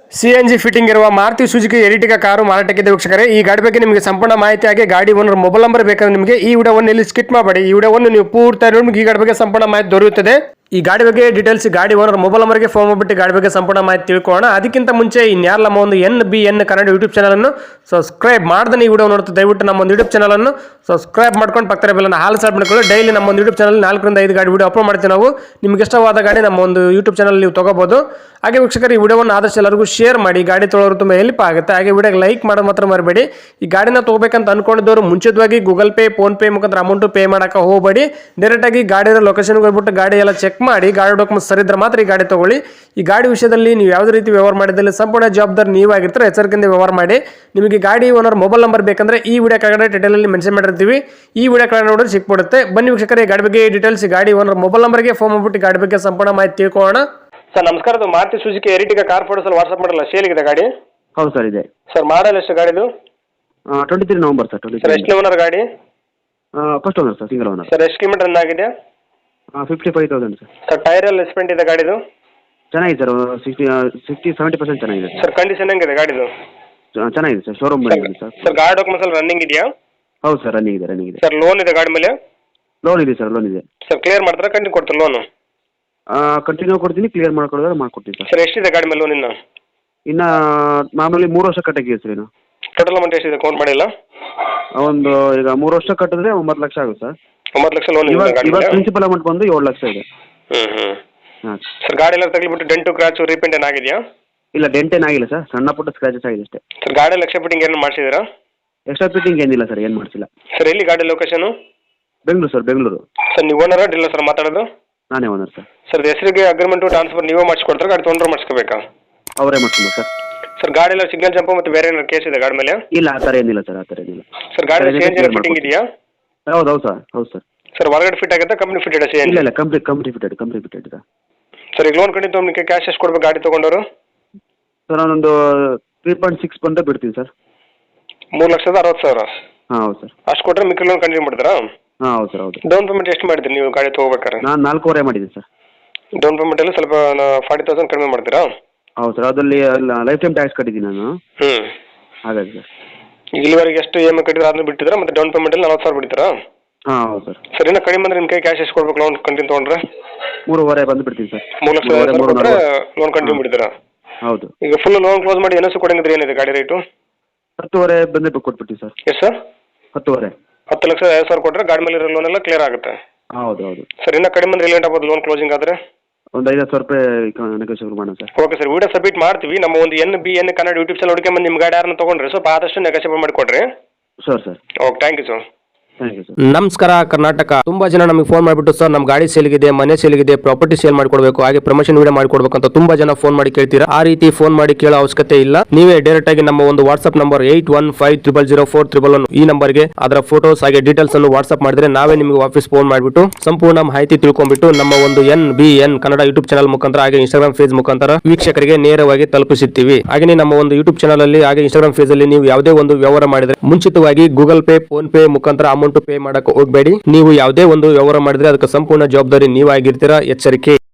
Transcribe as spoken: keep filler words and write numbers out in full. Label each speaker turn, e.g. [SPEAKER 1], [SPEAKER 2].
[SPEAKER 1] CNG fitting ಇರುವ Maruti Suzuki Ertiga car ಮಾರಾಟಕ್ಕಿದೆ ವೀಕ್ಷಕರೇ. ಈ ಗಾಡಿ ಬಗ್ಗೆ ನಿಮಗೆ ಸಂಪೂರ್ಣ ಮಾಹಿತಿ ಆಗಿ ಗಾಡಿ ಓನರ್ ಮೊಬೈಲ್ ನಂಬರ್ ಬೇಕಾದ್ರೆ ನಿಮಗೆ ಈ ವಿಡಿಯೋವನ್ನು ಇಲ್ಲಿ ಸ್ಕಿಪ್ ಮಾಡಬೇಡಿ. ಈ ವಿಡಿಯೋವನ್ನು ನೀವು ಪೂರ್ತಿ ನಿಮಗೆ ಈ ಗಾಡಿ ಬಗ್ಗೆ ಸಂಪೂರ್ಣ ಮಾಹಿತಿ ದೊರೆಯುತ್ತದೆ. ಈ ಗಾಡಿ ಬಗ್ಗೆ ಡೀಟೇಲ್ಸ್ ಗಾಡಿ ಓನರ್ ಮೊಬೈಲ್ ನಂಬರ್ಗೆ ಫೋನ್ ಮಾಡಿಬಿಟ್ಟು ಗಾಡಿ ಬಗ್ಗೆ ಸಂಪೂರ್ಣ ಮಾಹಿತಿ ತಿಳ್ಕೊಳ್ಳೋಣ. ಅದಕ್ಕಿಂತ ಮುಂಚೆ ಇನ್ಯಾರ ನಮ್ಮ ಒಂದು N B N Kannada YouTube channel ಅನ್ನು ಸಬ್ಸ್ಕ್ರೈಬ್ ಮಾಡ್ದೆ ಈ ವಿಡಿಯೋ ನೋಡ್ತಾ ದಯವಿಟ್ಟು ನಮ್ಮ ಒಂದು ಯೂಟ್ಯೂಬ್ ಚಾನಲ್ ಅನ್ನು ಸಬ್ಸ್ಕ್ರೈಬ್ ಮಾಡ್ಕೊಂಡು ಪಕ್ಕದ ಬೆಲ್ಲನ್ನು ಹಾಲ್ ಸಬ್ ಮಾಡ್ಕೊಳ್ಳಿ. ಡೈಲಿ ನಮ್ಮ ಒಂದು ಯೂಟ್ಯೂಬ್ ಚಾನಲ್ ನಾಲ್ಕರಿಂದ ಐದು ಗಾಡಿ ವಿಡಿಯೋ ಅಪ್ಲೋಡ್ ಮಾಡ್ತೀವಿ ನಾವು. ನಿಮ್ಗೆ ಇಷ್ಟವಾದ ಗಾಡಿ ನಮ್ಮ ಒಂದು ಯೂಟ್ಯೂಬ್ ಚಾನಲ್ ನೀವು ತಗೋಬಹುದು. ಹಾಗೆ ವೀಕ್ಷಕರು ಈ ವಿಡಿಯೋವನ್ನು ಆದಷ್ಟು ಎಲ್ಲರಿಗೂ ಶೇರ್ ಮಾಡಿ, ಗಾಡಿ ತೊಗೊಳೋರು ತುಂಬ ಹೆಲ್ಪ್ ಆಗುತ್ತೆ. ಹಾಗೆ ವಿಡಿಯೋಗೆ ಲೈಕ್ ಮಾಡೋದು ಮಾತ್ರ ಮರಬೇಡಿ. ಈ ಗಾಡಿನ ತಗೋಬೇಕಂತ ಅನ್ಕೊಂಡಿದ್ದವರು ಮುಂಚಿತವಾಗಿ ಗೂಗಲ್ ಪೇ ಫೋನ್ ಪೇ ಮುಖಾಂತರ ಅಮೌಂಟ್ ಪೇ ಮಾಡಕ್ಕೆ ಹೋಗಬೇಡಿ. ಡೈರೆಕ್ಟ್ ಆಗಿ ಗಾಡಿ ಲೊಕೇಶನ್ಗೆ ಹೋಗ್ಬಿಟ್ಟು ಗಾಡಿ ಎಲ್ಲ ಚೆಕ್ ಮಾಡಿ ಗಾಡಿ ಡಾಕ್ಯುಮೆಂಟ್ಸ್ ಸರಿ ಇದ್ರೆ ಮಾತ್ರ ಈ ಗಾಡಿ ತಗೊಳ್ಳಿ. ಈ ಗಾಡಿ ವಿಷಯದಲ್ಲಿ ನೀವು ಯಾವುದೇ ರೀತಿ ವ್ಯವಹಾರ ಮಾಡಿದಲ್ಲಿ ಸಂಪೂರ್ಣ ಜವಾಬ್ದಾರಿ ನೀವಾಗಿರ್ತಾರೆ. ಎಚ್ಚರಿಕೆಯಿಂದ ವ್ಯವಹಾರ ಮಾಡಿ. ನಿಮಗೆ ಗಾಡಿ ಓನರ್ ಮೊಬೈಲ್ ನಂಬರ್ ಬೇಕಂದ್ರೆ ಈ ವಿಡಿಯೋ ಕೆಳಗಡೆ ಟೈಟಲಲ್ಲಿ ಮೆನ್ಷನ್ ಮಾಡಿರ್ತೀವಿ. ಈ ವಿಡಿಯೋ ಕೆಳಗಡೆ ನೋಡಿದ್ರೆ ಸಿಕ್ಬಿಡುತ್ತೆ. ಬನ್ನಿ ವೀಕ್ಷಕರೇ, ಗಾಡಿ ಬಗ್ಗೆ ಡೀಟೇಲ್ಸ್ ಗಾಡಿ ಓನರ್ ಮೊಬೈಲ್ ನಂಬರ್ಗೆ ಫೋನ್ ಮಾಡ್ಬಿಟ್ಟು ಗಾಡಿ ಬಗ್ಗೆ ಸಂಪೂರ್ಣ ಮಾಹಿತಿ ತಿಳ್ಕೊಳ್ಳೋಣ. ಸರ್ ನಮಸ್ಕಾರ, ಅದು Maruti Suzuki Ertiga car photos WhatsApp ಮಾಡಲ್ಲ, ಸೇಲಿಗಿದೆ ಗಾಡಿ?
[SPEAKER 2] ಹೌದು ಸರ್, ಇದೆ
[SPEAKER 1] ಸರ್. ಮಾಡಲ್ ಎಷ್ಟು ಗಾಡಿದು?
[SPEAKER 2] Twenty three November sir. Twenty
[SPEAKER 1] sir ಎಷ್ಟು ಓನರ್ ಗಾಡಿ?
[SPEAKER 2] First owner sir, single owner.
[SPEAKER 1] Sir ಎಷ್ಟು ಕಿಲೋಮೀಟರ್ ರನ್ ಆಗಿದೆ?
[SPEAKER 2] Fifty five thousand sir.
[SPEAKER 1] Sir tyre ಎಲ್ಲ ಎಸ್ಪೆಂಟ್ ಇದೆ ಗಾಡಿದು?
[SPEAKER 2] ಚೆನ್ನಾಗಿದೆ sir, sixty sixty seventy percent ಚೆನ್ನಾಗಿದೆ
[SPEAKER 1] ಸರ್. ಕಂಡೀಷನ್ ಹೆಂಗಿದೆ ಗಾಡಿದು?
[SPEAKER 2] ಚೆನ್ನಾಗಿದೆ ಸರ್, ಶೋರೂಮ್ ಬಂದಿದೆ ಸರ್.
[SPEAKER 1] ಸರ್ ಗಾಡಿ ಡಾಕ್ಯುಮೆಂಟ್ಸ್ ಎಲ್ಲ ರನ್ನಿಂಗ್ ಇದೆಯಾ?
[SPEAKER 2] ಹೌದು ಸರ್, ರನ್ನಿಂಗ್ ಇದೆ ರನ್ನಿಂಗ್ ಇದೆ
[SPEAKER 1] ಸರ್. ಲೋನ್ ಇದೆ ಗಾಡಿ ಮೇಲೆ?
[SPEAKER 2] ಲೋನ್ ಇದೆ ಸರ್, ಲೋನ್ ಇದೆ
[SPEAKER 1] ಸರ್. ಕ್ಲಿಯರ್ ಮಾಡ್ತಾರೆ ಕಂಟಿನ್ಯೂ ಕೊಡ್ತಾರೆ ಲೋನು?
[SPEAKER 2] ಕಂಟಿನ್ಯೂ ಕೊಡ್ತೀನಿ, ಕ್ಲಿಯರ್ ಮಾಡ್ಕೊಡೋದ್ರೆ ಮಾಡ್ಕೊಡ್ತೀನಿ ಸರ್.
[SPEAKER 1] ಸರ್ ಎಷ್ಟಿದೆ ಗಾಡಿ ಮೇಲೆ ಲೋನ್ ಇನ್ನು?
[SPEAKER 2] ಇನ್ನು ಮಾಮೂಲಿ ಮೂರು ವರ್ಷ ಕಟ್ಟಾಗಿದೆ ಸರ್. ಇನ್ನು
[SPEAKER 1] ಟೋಟಲ್ ಅಮೌಂಟ್ ಎಷ್ಟಿದೆ ಕೌಂಟ್ ಮಾಡಿಲ್ಲ?
[SPEAKER 2] ಒಂದು ಈಗ ಮೂರು ವರ್ಷ ಕಟ್ಟಿದ್ರೆ ಒಂಬತ್ತು ಲಕ್ಷ ಆಗುತ್ತೆ ಸರ್.
[SPEAKER 1] ಒಂಬತ್ತು ಲಕ್ಷ ಲೋನ್ ಇದೆ ಗಾಡಿ
[SPEAKER 2] ಇವಾಗ
[SPEAKER 1] ಮೇಲೆ?
[SPEAKER 2] ಪ್ರಿನ್ಸಿಪಲ್ ಅಮೌಂಟ್ ಬಂದು ಏಳು ಲಕ್ಷ ಇದೆ.
[SPEAKER 1] ಹ್ಞೂ ಹ್ಞೂ
[SPEAKER 2] ಹಾಂ
[SPEAKER 1] ಸರ್. ಗಾಡಿ ಎಲ್ಲ ತಗಲಿಬಿಟ್ಟು ಡೆಂಟು ಕ್ರಾಚು ರೀಪೇಂಟ್ ಏನಾಗಿದೆಯಾ?
[SPEAKER 2] ಇಲ್ಲ, ಡೆಂಟ್ ಏನಾಗಿಲ್ಲ ಸರ್, ಸಣ್ಣ ಪುಟ್ಟ ಸ್ಕ್ರಾಚಸ್ ಆಗಿದೆ ಅಷ್ಟೇ.
[SPEAKER 1] ಸರ್ ಗಾಡಿ ಎಲ್ಲ ಎಕ್ಸ್ಟ್ರಾ ಫಿಟ್ಟಿಂಗ್ ಏನು ಮಾಡಿಸಿದ್ದೀರಾ?
[SPEAKER 2] ಎಕ್ಸ್ಟ್ರಾ ಫಿಟ್ಟಿಂಗ್ ಏನಿಲ್ಲ ಸರ್, ಏನು ಮಾಡಿಸಿಲ್ಲ.
[SPEAKER 1] ಸರ್ ಎಲ್ಲಿ ಗಾಡಿ location?
[SPEAKER 2] Bengaluru sir, Bengaluru.
[SPEAKER 1] Sir ನೀವು ಓನರ ಡೀಲರ್ ಸರ್ ಮಾತಾಡೋದು?
[SPEAKER 2] ನಾನೇ ಓನರ್ ಸರ್.
[SPEAKER 1] ಸರ್ ಹೆಸರಿಗೆ ಅಗ್ರಿಮೆಂಟು ಟ್ರಾನ್ಸ್ಫರ್ ನೀವೇ ಮಾಡಿಸ್ಕೊಡ್ತಾರೆ, ಗಾಡಿ ತೊಗೊಂಡ್ರೆ ಮಾಡಿಸ್ಕೋಬೇಕಾ?
[SPEAKER 2] ಅವರೇ ಮಾಡ್ಕೊಂಡು ಸರ್.
[SPEAKER 1] ಸರ್ ಗಾಡಿ ಎಲ್ಲ ಸಿಗ್ನಲ್ ಜಂಪ್ ಮತ್ತು ಬೇರೆ ಏನಾದ್ರು ಕೇಸ್ ಇದೆ ಗಾಡಿ ಮೇಲೆ?
[SPEAKER 2] ಇಲ್ಲ, ಆ ಥರ ಏನಿಲ್ಲ ಸರ್, ಆ ಥರ ಏನಿಲ್ಲ.
[SPEAKER 1] ಸರ್ ಗಾಡಿ ಸಿ ಎನ್ ಜಿ ಫಿಟ್ಟಿಂಗ್ ಇದೆಯಾ?
[SPEAKER 2] ಹೌದು ಹೌದು ಸರ್, ಹೌದು ಸರ್.
[SPEAKER 1] ಸರ್ ಹೊರಗಡೆ ಫಿಟ್ ಆಗುತ್ತೆ, company fitted C N G?
[SPEAKER 2] ಇಲ್ಲ ಇಲ್ಲ, company company fitted company fitted ಇದೆ
[SPEAKER 1] ಸರ್. ಈಗ ಲೋನ್ ಕಡಿಮೆ ತೊಗೊಂಡಿಕ್ಕೆ ಕ್ಯಾಶ್ ಎಷ್ಟು ಕೊಡ್ಬೇಕು ಗಾಡಿ ತೊಗೊಂಡವರು?
[SPEAKER 2] ಸರ್ ನಾನೊಂದು ತ್ರೀ ಪಾಯಿಂಟ್ ಸಿಕ್ಸ್ ಬಂದ ಬಿಡ್ತೀನಿ ಸರ್.
[SPEAKER 1] ಮೂರು ಲಕ್ಷದ ಅರವತ್ತು ಸಾವಿರ?
[SPEAKER 2] ಹಾಂ ಹೌದು ಸರ್.
[SPEAKER 1] ಅಷ್ಟು ಕೊಟ್ಟರೆ ಮಿಕ್ಕಿ ಲೋನ್ ಕಂಟಿನ್ಯೂ ಮಾಡ್ತಾರಾ?
[SPEAKER 2] ಹಾಂ ಹೌದು ಸರ್, ಹೌದು.
[SPEAKER 1] ಡೌನ್ ಪೇಮೆಂಟ್ ಎಷ್ಟು ಮಾಡಿದ್ರಿ ನೀವು ಗಾಡಿ ತೊಗೋಬೇಕಾರೆ?
[SPEAKER 2] ನಾನು ನಾಲ್ಕೂವರೆ ಮಾಡಿದ್ದೀನಿ ಸರ್.
[SPEAKER 1] ಡೌನ್ ಪೇಮೆಂಟಲ್ಲಿ ಸ್ವಲ್ಪ ಫಾರ್ಟಿ ತೌಸಂಡ್ ಕಡಿಮೆ ಮಾಡ್ತೀರಾ?
[SPEAKER 2] ಹೌದು ಸರ್, ಅದರಲ್ಲಿ ಲೈಫ್ ಟೈಮ್ ಟ್ಯಾಕ್ಸ್ ಕಟ್ಟಿದ್ದೀನಿ ನಾನು.
[SPEAKER 1] ಹ್ಞೂ
[SPEAKER 2] ಹಾಗಾಗಿ ಸರ್.
[SPEAKER 1] ಈಗ ಇಲ್ಲಿವರೆಗೆ ಎಷ್ಟು ಇ ಎಮ್ ಐ ಕಟ್ಟಿದ್ರೆ ಅದನ್ನ ಬಿಟ್ಟಿದ್ದೀರಾ, ಮತ್ತು ಡೌನ್ ಪೇಮೆಂಟಲ್ಲಿ ನಲ್ವತ್ತು ಸಾವಿರ ಬಿಡ್ತೀರಾ?
[SPEAKER 2] ಹಾಂ ಹೌದು ಸರ್.
[SPEAKER 1] ಸರ್ ಇನ್ನೂ ಕಡಿಮೆ ಅಂದರೆ ನಿಮ್ಮ ಕೈ ಕ್ಯಾಶ್ ಎಷ್ಟು ಕೊಡ್ಬೇಕು ಲೋನ್ ಕಂಟಿನ್ಯೂ ತೊಗೊಂಡ್ರೆ?
[SPEAKER 2] ಮೂರುವರೆ ಬಂದು ಬಿಡ್ತೀನಿ ಸರ್.
[SPEAKER 1] ಮೂರು ಲಕ್ಷ ಕೊಟ್ಟರೆ ಲೋನ್ ಕಂಟಿನ್ಯೂ ಬಿಡ್ತೀರಾ?
[SPEAKER 2] ಹೌದು. ಈಗ
[SPEAKER 1] ಫುಲ್ ಲೋನ್ ಕ್ಲೋಸ್ ಮಾಡಿ ಏನಸು ಕೊಡಂಗಿದ್ರೆ ಏನಿದೆ ಗಾಡಿ ರೇಟು?
[SPEAKER 2] ಹತ್ತುವರೆ ಬಂದೇ ಕೊಟ್ಬಿಡ್ತೀವಿ ಸರ್.
[SPEAKER 1] ಎಷ್ಟು ಸರ್?
[SPEAKER 2] ಹತ್ತುವರೆ.
[SPEAKER 1] ಹತ್ತು ಲಕ್ಷ ಐದು ಸಾವಿರ ಕೊಟ್ಟರೆ ಗಾಡಿ ಮೇಲೆ ಇರೋ ಲೋನ್ ಎಲ್ಲ ಕ್ಲಿಯರ್ ಆಗುತ್ತೆ?
[SPEAKER 2] ಹೌದು ಹೌದು
[SPEAKER 1] ಸರ್. ಇನ್ನೂ ಕಡಿಮೆ ಅಂದರೆ ಲೇಟ್ ಆಗ್ಬೋದು ಲೋನ್ ಕ್ಲೋಸಿಂಗ್ ಆದರೆ?
[SPEAKER 2] ಒಂದು ಐದು ಸಾವಿರ ರೂಪಾಯಿ ನೆಗೋಷಿಯೇಟ್ ಮಾಡೋಣ sir.
[SPEAKER 1] Okay sir, video submit ಮಾಡ್ತೀವಿ. ನಮ್ಮ ಒಂದು N B N Kannada YouTube channel ಹುಡುಕಿ ಬಂದು ನಿಮ್ಮ ಗಾಡಿ ಯಾರನ್ನ ತೊಗೊಂಡ್ರೆ ಸ್ವಲ್ಪ ಆದಷ್ಟು ನೆಗೋಷಿಯೇಟ್ ಮಾಡಿಕೊಡ್ರಿ.
[SPEAKER 2] Sure sir.
[SPEAKER 1] Okay, thank you sir.
[SPEAKER 3] ನಮಸ್ಕಾರ ಕರ್ನಾಟಕ. ತುಂಬಾ ಜನ ನಮಗೆ ಫೋನ್ ಮಾಡಿಬಿಟ್ಟು ಸರ್ ನಮ್ಮ ಗಾಡಿ ಸೇಲ್ಗಿದೆ, ಮನೆ ಸೇಲ್ಗಿದೆ, ಪ್ರಾಪರ್ಟಿ ಸೇಲ್ ಮಾಡಿಕೊಡ್ಬೇಕು, ಹಾಗೆ ಪ್ರಮೋಷನ್ ವಿಡಿಯೋ ಮಾಡಿಕೊಡ್ಬೇಕು ಅಂತ ತುಂಬಾ ಜನ ಫೋನ್ ಮಾಡಿ ಕೇಳ್ತೀರಾ. ಆ ರೀತಿ ಫೋನ್ ಮಾಡಿ ಕೇಳೋ ಅವಶ್ಯಕತೆ ಇಲ್ಲ. ನೀವೇ ಡೈರೆಕ್ಟ್ ಆಗಿ ನಮ್ಮ ಒಂದು WhatsApp number eight one five triple zero four triple one ಈ ನಂಬರ್ಗೆ ಅದರ ಫೋಟೋಸ್ ಹಾಗೆ ಡೀಟೇಲ್ಸ್ ಅನ್ನು ವಾಟ್ಸ್ಆಪ್ ಮಾಡಿದ್ರೆ ನಾವೇ ನಿಮಗೆ ವಾಪಸ್ ಫೋನ್ ಮಾಡಿಬಿಟ್ಟು ಸಂಪೂರ್ಣ ಮಾಹಿತಿ ತಿಳ್ಕೊಂಡ್ಬಿಟ್ಟು ನಮ್ಮ ಒಂದು N B N Kannada YouTube channel ಮುಖಾಂತರ ಹಾಗೆ ಇನ್ಸ್ಟಾಗ್ರಾಮ್ ಪೇಜ್ ಮುಖಾಂತರ ವೀಕ್ಷಕರಿಗೆ ನೇರವಾಗಿ ತಲುಪಿಸುತ್ತೀವಿ. ಹಾಗೆ ನಮ್ಮ ಒಂದು ಯೂಟ್ಯೂಬ್ ಚಾನಲ್ ಅಲ್ಲಿ ಹಾಗೆ ಇನ್ಸ್ಟಾಗ್ರಾಮ್ ಪೇಜ್ ಅಲ್ಲಿ ನೀವು ಯಾವುದೇ ಒಂದು ವ್ಯವಹಾರ ಮಾಡಿದ್ರೆ ಮುಂಚಿತವಾಗಿ ಗೂಗಲ್ ಪೇ ಫೋನ್ ಪೇ ಮುಖಾಂತರ ಅಮೌಂಟ್ ಪೇ ಮಾಡಕ್ಕೆ ಹೋಗಬೇಡಿ. ನೀವು ಯಾವುದೇ ಒಂದು ವ್ಯವಹಾರ ಮಾಡಿದ್ರೆ ಅದಕ್ಕೆ ಸಂಪೂರ್ಣ ಜವಾಬ್ದಾರಿ ನೀವಾಗಿರ್ತೀರಾ. ಎಚ್ಚರಿಕೆ.